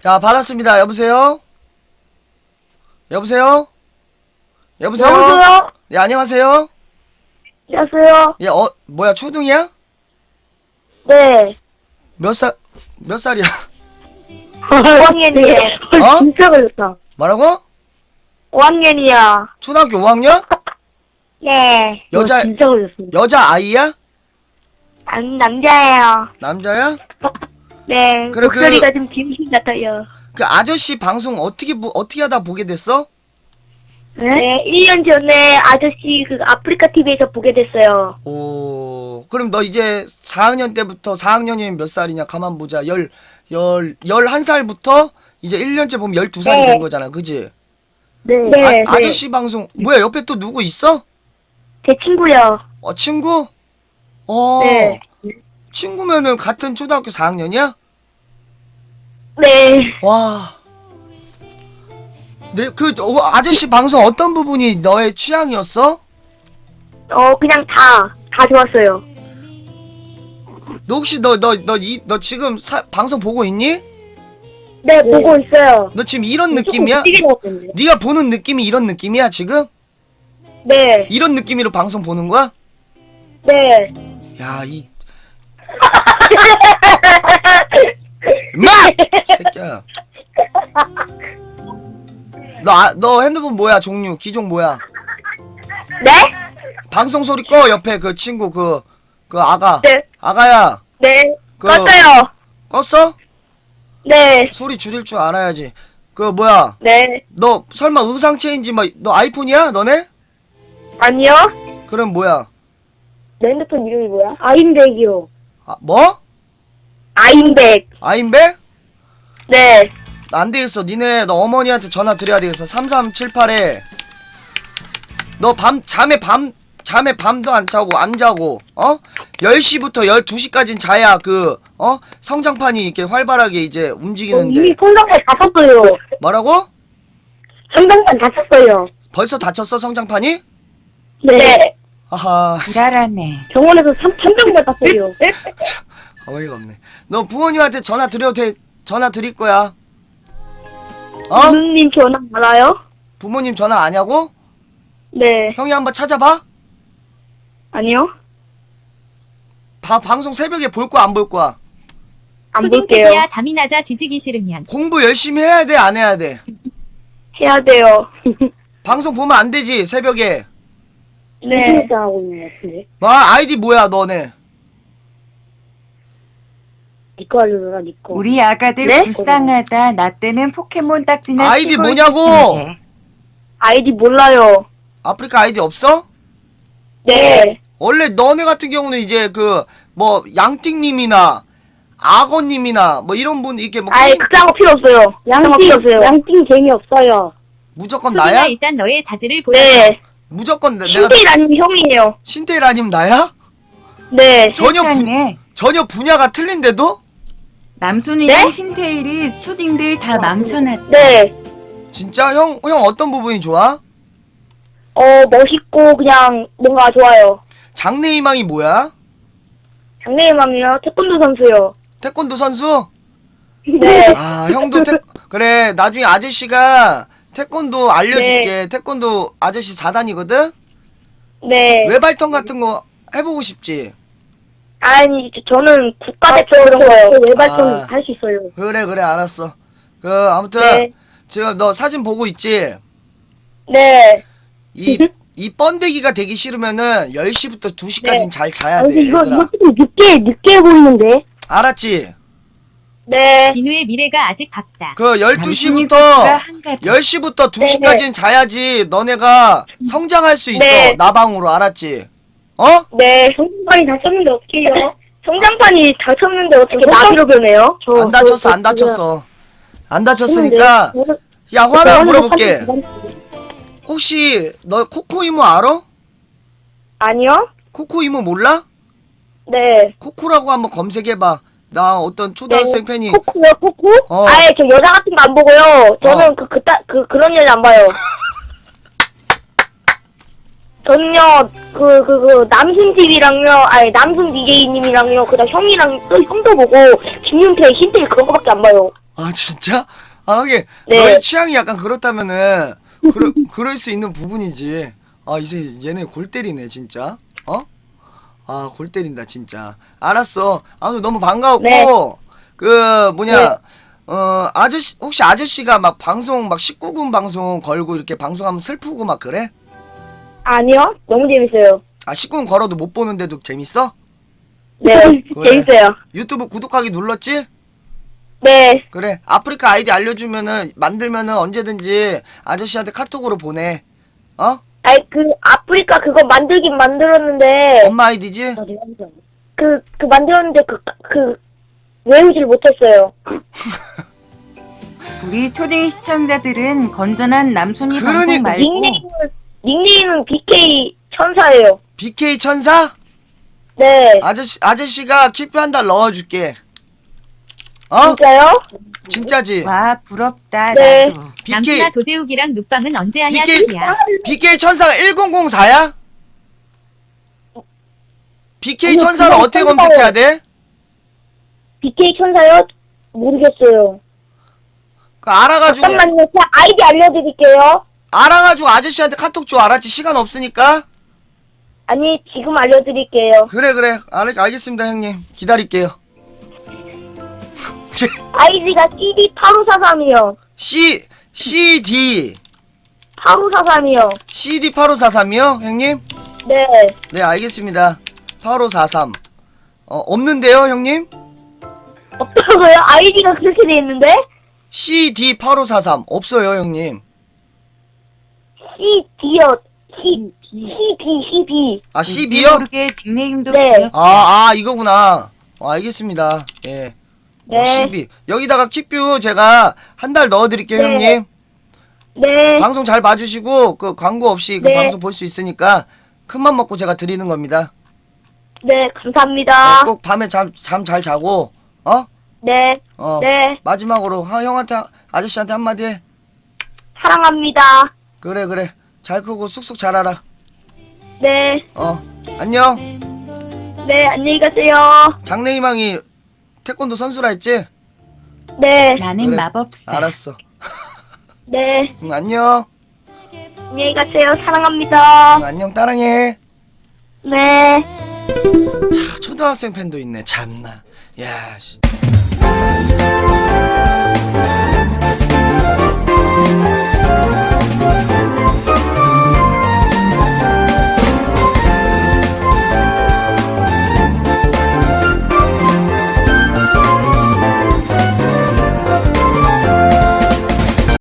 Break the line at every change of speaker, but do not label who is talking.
자, 받았습니다. 여보세요? 여보세요? 여보세요?
여보세요?
예, 안녕하세요?
안녕하세요.
예, 뭐야, 초등이야?
네.
몇 살이야?
5학년이에요.
어?
진짜 걸렸다.
뭐라고?
5학년이야.
초등학교 5학년?
네.
여자,
진짜 걸렸습니다.
여자 아이야?
남자예요.
남자야?
네.
그래,
목소리가 좀 김신 같아요.
그 아저씨 방송 어떻게 하다 보게 됐어?
네? 1년 전에 아저씨 그 아프리카 TV에서 보게 됐어요.
오, 그럼 너 이제 4학년 때부터 4학년이면 몇 살이냐? 가만 보자. 11살부터 이제 1년째 보면 12살이
네.
된 거잖아. 그지?
네.
아저씨 방송, 뭐야, 옆에 또 누구 있어?
제 친구요.
친구?
네.
친구면은 같은 초등학교 4학년이야?
네.
와. 아저씨 방송 어떤 부분이 너의 취향이었어?
그냥 다 좋았어요.
너 혹시 너 지금 방송 보고 있니?
네, 보고 있어요.
너 지금 이런 느낌이야? 네가 보는 느낌이 이런 느낌이야, 지금?
네.
이런 느낌으로 방송 보는 거야?
네.
야, 임마! 새끼야. 너 핸드폰 뭐야, 종류, 기종 뭐야?
네?
방송 소리 꺼, 옆에 그 친구, 그 아가.
네.
아가야.
네.
그-
껐어요.
껐어?
네.
소리 줄일 줄 알아야지. 뭐야?
네.
너 설마 음상 체인지 너 아이폰이야? 너네?
아니요.
그럼 뭐야?
내 핸드폰 이름이 뭐야? 아임백이요.
뭐?
아임백.
아임배?
네.
안 되겠어. 너 어머니한테 전화 드려야 되겠어. 3378에 너 잠에 밤도 안 자고 10시부터 12시까지는 자야 성장판이 이렇게 활발하게 이제 움직이는데.
이미 성장판 다 쳤어요.
뭐라고?
성장판 다 쳤어요.
벌써 다쳤어, 성장판이?
네.
아하,
지랄하네.
병원에서 성장판 땄어요.
어이가 없네. 너 부모님한테 전화 드릴 거야.
부모님 전화 알아요?
부모님 전화 아냐고?
네.
형이 한번 찾아봐?
아니요.
방송 새벽에 볼 거야, 안 볼 거야?
안 볼게요.
초딩새끼야 잠이나 자 뒤지기 싫으면.
공부 열심히 해야 돼, 안 해야 돼?
해야 돼요.
방송 보면 안 되지, 새벽에.
네. 하고 있는 것 같은데.
아이디 뭐야, 너네?
니꺼 알려줘라, 니꺼.
우리 아가들
네?
불쌍하다. 나 때는 포켓몬 딱지나
아이디
치고
뭐냐고!
있었는데.
아이디 몰라요.
아프리카 아이디 없어?
네.
원래 너네 같은 경우는 이제 양띵님이나 악어님이나 이런 분 이렇게
아예 그딴 거 필요 없어요. 양띵 재미없어요.
무조건
초딩아
나야?
일단 너의 자질을 보여.
네.
무조건 내가
신태일 아니면 형이에요.
신태일 아니면 나야?
네.
세상에
전혀 분야가 틀린데도?
남순이랑
네?
신태일이 초딩들 다 망쳐놨다.
네.
진짜? 형 어떤 부분이 좋아?
멋있고 그냥 뭔가 좋아요.
장래희망이 뭐야?
장래희망이요? 태권도 선수요.
태권도 선수?
네.
형도 그래, 나중에 아저씨가 태권도 알려줄게. 태권도 아저씨 4단이거든?
네.
외발턴 같은 거 해보고 싶지?
아니, 저는 국가대표 이런 거요.
아.
외발전 할 수 있어요.
그래, 알았어. 아무튼,
네.
지금 너 사진 보고 있지?
네.
이 번데기가 되기 싫으면은 10시부터 2시까지는
네.
잘 자야 돼,
이거
얘들아.
좀 늦게 보이는데?
알았지?
네.
비누의 미래가 아직 밝다.
12시부터,
한가지.
10시부터 2시까지는 자야지 너네가 성장할 수 있어.
네.
나방으로, 알았지?
네. 성장판이 다 쳤는데 어떡해요? 성장판이 다 쳤는데 어떻게 나비로 변해요?
안 다쳤어. 안 다쳤으니까, 야,
네.
하나 물어볼게. 혹시, 너 코코 이모 알아?
아니요?
코코 이모 몰라?
네.
코코라고 한번 검색해봐. 나 어떤 초등학생 팬이,
코코요, 코코?
어.
아예 저 여자 같은 거 안 보고요. 저는 그런 여자 안 봐요. 저는요, 남순 TV랑요, 남순 DJ님이랑요, 그다음 형이랑 또 형도 보고, 김윤태, 신태일 그런 거밖에 안 봐요.
아 진짜? 아 하긴
네.
너의 취향이 약간 그렇다면은 그럴 수 있는 부분이지. 아 이제 얘네 골 때리네 진짜. 어? 아 골 때린다 진짜. 알았어. 아무튼 너무 반가웠고
네.
그 뭐냐
네.
아저씨 혹시 아저씨가 막 방송 막 19금 방송 걸고 이렇게 방송하면 슬프고 막 그래?
아니요. 너무 재밌어요.
아 19금 걸어도 못 보는데도 재밌어?
네.
그래.
재밌어요.
유튜브 구독하기 눌렀지?
네.
그래 아프리카 아이디 알려주면은 만들면은 언제든지 아저씨한테 카톡으로 보내. 어?
아니 그 아프리카 그거 만들긴 만들었는데
엄마 아이디지?
그 만들었는데 그 외우질 못했어요.
우리 초딩 시청자들은 건전한 남순이
그러니-
방송 말고
닉네임은 BK 천사예요.
BK 천사?
네.
아저씨가 키표 한 달 넣어줄게. 어?
진짜요?
진짜지?
와 부럽다
네.
나도.
BK
남순아 도제욱이랑 눕방은 언제 하냐
BK
소리야.
BK 천사가 1004야? BK
아니요,
천사를
그냥
어떻게
천사예요.
검색해야 돼?
BK 천사요? 모르겠어요.
그 알아가지고
잠깐만요. 제가 아이디 알려드릴게요.
아저씨한테 카톡 줘. 알았지? 시간 없으니까.
아니 지금 알려드릴게요.
그래 알겠습니다 형님. 기다릴게요.
아이디가 CD8543이요.
CD
8543이요.
CD 8543이요 형님?
네.
네 알겠습니다. 8543 없는데요 형님?
없다고요? 아이디가 그렇게 돼 있는데?
CD 8543 없어요 형님.
CD요. CB.
아
왠지
12요?
모르게 닉네임도
네.
귀엽다.
이거구나. 알겠습니다. 예.
네.
12 여기다가 킵뷰 제가 한 달 넣어드릴게요
네.
형님.
네.
방송 잘 봐주시고 그 광고 없이 그
네.
방송 볼 수 있으니까 큰맘 먹고 제가 드리는 겁니다.
네, 감사합니다.
꼭 밤에 잠 잘 자고
네. 네.
마지막으로 형한테 아저씨한테 한마디 해.
사랑합니다.
그래 잘 크고 쑥쑥 자라라.
네.
안녕.
네, 안녕히 가세요.
장래희망이 태권도 선수라 했지?
네.
나는
그래.
마법사.
알았어.
네.
안녕.
안녕히 가세요. 사랑합니다.
안녕 따랑해.
네.
초등학생 팬도 있네 참나. 야 씨.